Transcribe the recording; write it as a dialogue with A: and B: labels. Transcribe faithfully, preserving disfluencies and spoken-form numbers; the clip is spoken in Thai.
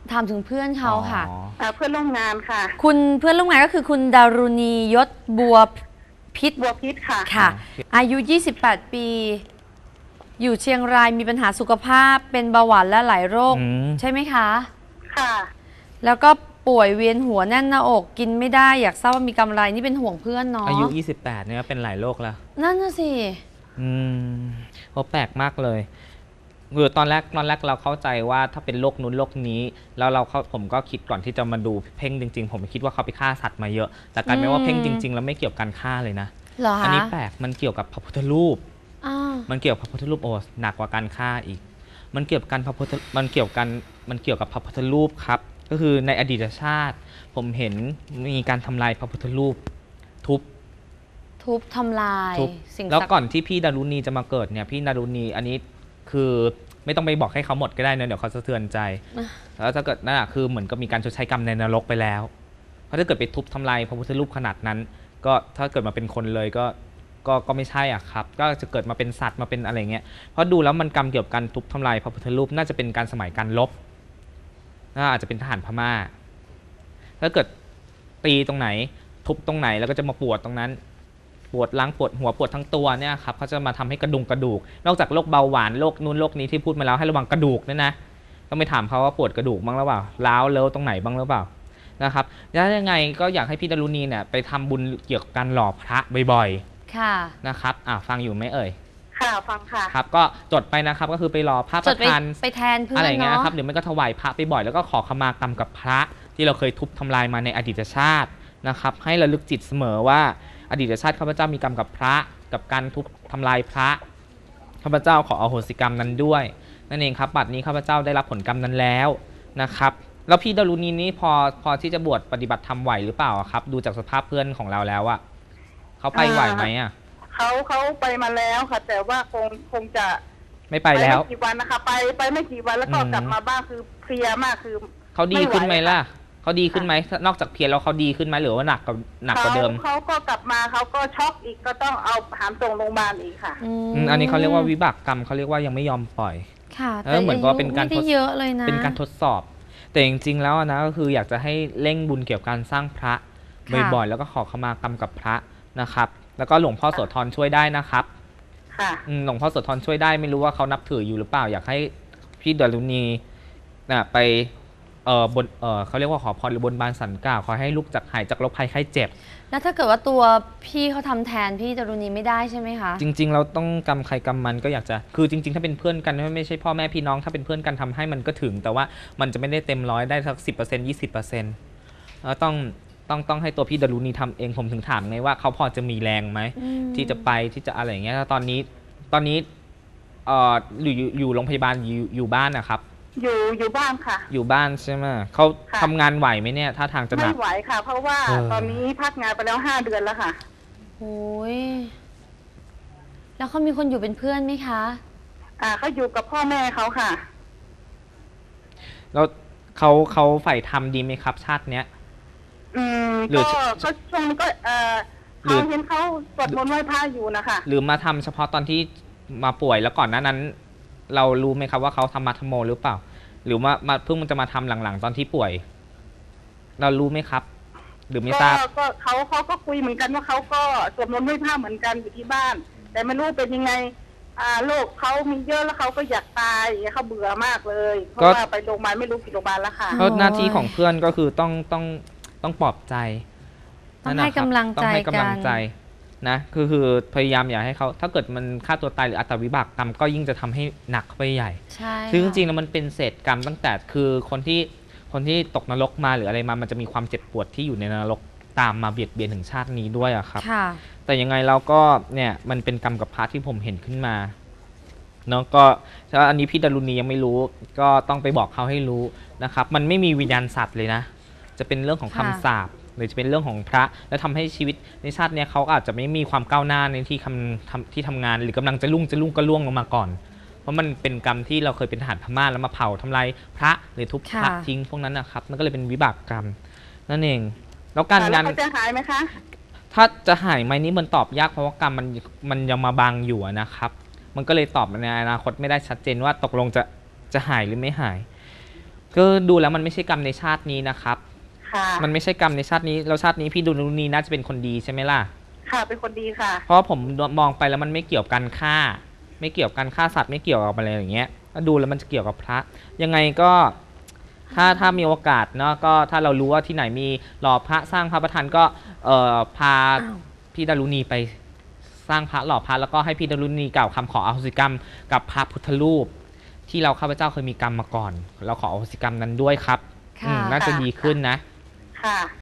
A: ถามถึงเพื่อนเขาค่ะ
B: เพื่อนร่วมงานค่ะ
A: คุณเพื่อนร่วมงานก็คือคุณดารุณียศบัวพิษ
B: บัวพิษค่ะ
A: ค่ะอายุยี่สิบแปดปีอยู่เชียงรายมีปัญหาสุขภาพเป็นเบาหวานและหลายโรคใช่ไหมคะ
B: ค่ะ
A: แล้วก็ป่วยเวียนหัวแน่นหน้าอกกินไม่ได้อยากทราบว่ามีกำไรนี่เป็นห่วงเพื่อนเนาะ
C: อายุยี่สิบแปดเนี่ยเป็นหลายโรคแล้ว
A: นั่นน่ะสิ
C: อืมโอ้แปลกมากเลยคือตอนแรกตอนแรกเราเข้าใจว่าถ้าเป็นโรคนู้นโรคนี้แล้วเราเขาผมก็คิดก่อนที่จะมาดูเพ่งจริงๆผมคิดว่าเขาไปฆ่าสัตว์มาเยอะแต่กลายเป็นว่าเพ่งจริงๆแล้วไม่เกี่ยวกับการฆ่าเลยนะอันนี้แปลกมันเกี่ยวกับพระพุทธรูปมันเกี่ยวกับพระพุทธรูปโอ้หนักกว่าการฆ่าอีกมันเกี่ยวกับการพระพุทธมันเกี่ยวกันมันเกี่ยวกับพระพุทธรูปครับก็คือในอดีตชาติผมเห็นมีการทำลายพระพุทธรูปทุบ
A: ทุบทำลาย
C: สิ่งแล้วก่อนที่พี่ดารุณีจะมาเกิดเนี่ยพี่ดารุณีอันนี้คือไม่ต้องไปบอกให้เขาหมดก็ได้นะเดี๋ยวเขาสะเทือนใจแล้วถ้าเกิดนั่นแหะคือเหมือนกับมีการชดใช้กรรมในนรกไปแล้วเพราะถ้าเกิดไปทุบทำลายพระพุทธรูปขนาดนั้นก็ถ้าเกิดมาเป็นคนเลยก็ก็ก็ไม่ใช่อ่ะครับก็จะเกิดมาเป็นสัตว์มาเป็นอะไรเงี้ยเพราะดูแล้วมันกรรมเกี่ยวกับการทุบทำลายพระพุทธรูปน่าจะเป็นการสมัยการลบน่าอาจจะเป็นทหารพม่าถ้าเกิดตีตรงไหนทุบตรงไหนแล้วก็จะมาปวดตรงนั้นปวดล้างปวดหัวปวดทั้งตัวเนี่ยครับเขาจะมาทำให้กระดุงกระดูกนอกจากโรคเบาหวานโรคนู้นโรคนี้ที่พูดมาแล้วให้ระวังกระดูกเนี่ยนะต้องไปถามเขาว่าปวดกระดูกบ้างหรือเปล่าล้าวเล้วตรงไหนบ้างหรือเปล่านะครับแล้วยังไงก็อยากให้พี่ดารุณีเนี่ยไปทำบุญเกี่ยวกับการหล่อพระบ่อยๆค่ะนะครับอ่าฟังอยู่ไหมเอ่ย
B: ค่ะฟังค่ะ
C: ครับก็จดไปนะครับก็คือไปรอพระประธาน
A: ไปแทนเพื่อน
C: อะไรเงี้ยครับเดี๋ยวมันก็ถวายพระไปบ่อยแล้วก็ขอขมากรรมกับพระที่เราเคยทุบทำลายมาในอดีตชาตินะครับให้ระลึกจิตเสมอว่าอดีตชาติข้าพเจ้ามีกรรมกับพระกับการทุบทำลายพระข้าพเจ้าขออโหสิกรรมนั้นด้วยนั่นเองครับบัดนี้ข้าพเจ้าได้รับผลกรรมนั้นแล้วนะครับแล้วพี่ดารุณีนี้พอพอที่จะบวชปฏิบัติธรรมไหวหรือเปล่าครับดูจากสภาพเพื่อนของเราแล้วอะเขาไปไหวไหมอะ
B: เขาเขาไปมาแล้วค่ะแต่ว่าคงคงจะ
C: ไม่ไปแล้ว
B: ไม่กี่วันนะคะไปไปไม่กี่วันแล้วก็กลับมาบ้านคือเพลียมากคือ
C: เขาดีขึ้นไหมล่ะเขาดีขึ้นไหมนอกจากเพียรแล้วเขาดีขึ้นไหมหรือว่าหนักกว่าหนักกว่าเดิม
B: เขาก็กลับมาเขาก็ช็อกอีกก็ต้องเอาหามส่งโรงพยาบาลอีกค่ะ
C: อันนี้เขาเรียกว่าวิบากกรรมเขาเรียกว่ายังไม่ยอมปล่อย
A: ค่ะ
C: แต่เหมือนกับเป็นการ
A: ทดเยอะเลยนะ
C: เป็นการทดสอบแต่จริงๆแล้วนะก็คืออยากจะให้เร่งบุญเกี่ยวกับการสร้างพระบ่อยๆแล้วก็ขอขมากรรมกับพระนะครับแล้วก็หลวงพ่อโสธรช่วยได้นะครับ
B: ค่ะ
C: หลวงพ่อโสธรช่วยได้ไม่รู้ว่าเขานับถืออยู่หรือเปล่าอยากให้พี่ดารุณีนะไปเออบนเออเขาเรียกว่าขอพรหรือบนบานสันกล่าวขอให้ลูกจากหายจากโรคภัยไข้เจ็บ
A: แล้วถ้าเกิดว่าตัวพี่เขาทำแทนพี่ดารุณีไม่ได้ใช่ไหมคะ
C: จริงๆเราต้องกรรมใครกรรมมันก็อยากจะคือจริงๆถ้าเป็นเพื่อนกันไม่ใช่พ่อแม่พี่น้องถ้าเป็นเพื่อนกันทำให้มันก็ถึงแต่ว่ามันจะไม่ได้เต็มร้อยได้สักสิบเปอร์เซ็นต์ยี่สิบเปอร์เซ็นต์แล้วต้องต้องต้องให้ตัวพี่ดารุณีทำเองผมถึงถามไงว่าเขาพอจะมีแรงไหมที่จะไปที่จะอะไรอย่างเงี้ยตอนนี้ตอนนี้เอ่ออยู่อยู่โรงพยาบาลอยู่อยู่บ้านนะครับ
B: อยู่อยู่บ้านค่ะ
C: อยู่บ้านใช่ไหมเขาทำงานไหวไหมเนี่ยถ้าทางจะหนัก
B: ไม่ไหวค่ะเพราะว่าตอนนี้พักงานไปแล้วห้าเดือนแล้วค่ะ
A: โอ้ยแล้วเขามีคนอยู่เป็นเพื่อนไหมคะ
B: อ่าเขาอยู่กับพ่อแม่เขาค่ะ
C: แล้วเขาเขาใฝ่ทำดีไหมครับชาติเนี้ย
B: อืมก็ก็ช่วงนี้ก็เออเขาเห็นเขาสวดมนต์ไหว้พระอยู่นะคะ
C: หรือมาทำเฉพาะตอนที่มาป่วยแล้วก่อนหน้านั้นเรารู้ไหมครับว่าเขาทำมัทโมหรือเปล่าหรือว่ามาเพิ่งมันจะมาทำหลังๆตอนที่ป่วยเรารู้ไหมครับหรือไม่ทราบ
B: ก็เขาเขาก็คุยเหมือนกันว่าเขาก็สวดมนต์ไหว้พระเหมือนกันอยู่ที่บ้านแต่ไม่รู้เป็นยังไงอ่าโรคเขามีเยอะแล้วเขาก็อยากตายเขาเบื่อมากเลยเพราะว่าไปโรงพยาบาลไม่รู้กี่โรงพยาบาลแล้วค่ะ
C: ก็หน้าที่ของเพื่อนก็คือต้องต้องต้องปลอบใจ
A: ต้องให้กำลังใจกัน
C: นะคือคือพยายามอย่าให้เขาถ้าเกิดมันฆ่าตัวตายหรืออัตวิบากกรรมก็ยิ่งจะทำให้หนักไปใหญ่
A: ใช่
C: ซึ่งจริงๆแล้วมันเป็นเศษกรรมตั้งแต่คือคนที่คนที่ตกนรกมาหรืออะไรมามันจะมีความเจ็บปวดที่อยู่ในนรกตามมาเบียดเบียนถึงชาตินี้ด้วยอะครับแต่ยังไงเราก็เนี่ยมันเป็นกรรมกับพระที่ผมเห็นขึ้นมาเนาะก็ถ้าอันนี้พี่ดารุณียังไม่รู้ก็ต้องไปบอกเขาให้รู้นะครับมันไม่มีวิญญาณสัตว์เลยนะจะเป็นเรื่องของคำสาปหรือจะเป็นเรื่องของพระและทำให้ชีวิตในชาตินี้เขาอาจจะไม่มีความก้าวหน้าในที่ทำที่ทำงานหรือกำลังจะรุ่งจะรุ่งก็ล่วงลงมาก่อนเพราะมันเป็นกรรมที่เราเคยเป็นทหารพม่าแล้วมาเผาทำลายพระหรือทุบพระทิ้งพวกนั้นนะครับมันก็เลยเป็นวิบากกรรมนั่นเองแล้วการงาน
B: จะหายไหมคะ
C: ถ้าจะหายไหมนี่มันตอบยากเพราะว่ากรรมมันมันยังมาบังอยู่นะครับมันก็เลยตอบในอนาคตไม่ได้ชัดเจนว่าตกลงจะจะหายหรือไม่หายก็ดูแล้วมันไม่ใช่กรรมในชาตินี้นะครับ
B: ค่ะ
C: มันไม่ใช่กรรมในชาตินี้แล้วชาตินี้พี่ดารุณีน่าจะเป็นคนดีใช่ไหมล่ะ
B: ค่ะเป็นคนดีค่ะ
C: เพราะผมมองไปแล้วมันไม่เกี่ยวกับการฆ่า ไม่เกี่ยวกับการฆ่าสัตว์ไม่เกี่ยวกับอะไรอย่างเงี้ยถ้าดูแล้วมันจะเกี่ยวกับพระยังไงก็ถ้าถ้ามีโอกาสเนาะก็ถ้าเรารู้ว่าที่ไหนมีหล่อพระสร้างพระประธานก็เอ่อพาพี่ดารุณีไปสร้างพระหล่อพระแล้วก็ให้พี่ดารุณีกล่าวคำขออโหสิกรรมกับพระพุทธรูป ที่เราข้าพเจ้าเคยมีกรรมมาก่อน เราขออโหสิกรรมนั้นด้วยครับ
A: ค่ะ
C: อืมน่าจะดีขึ้นนะ
B: ค่ะ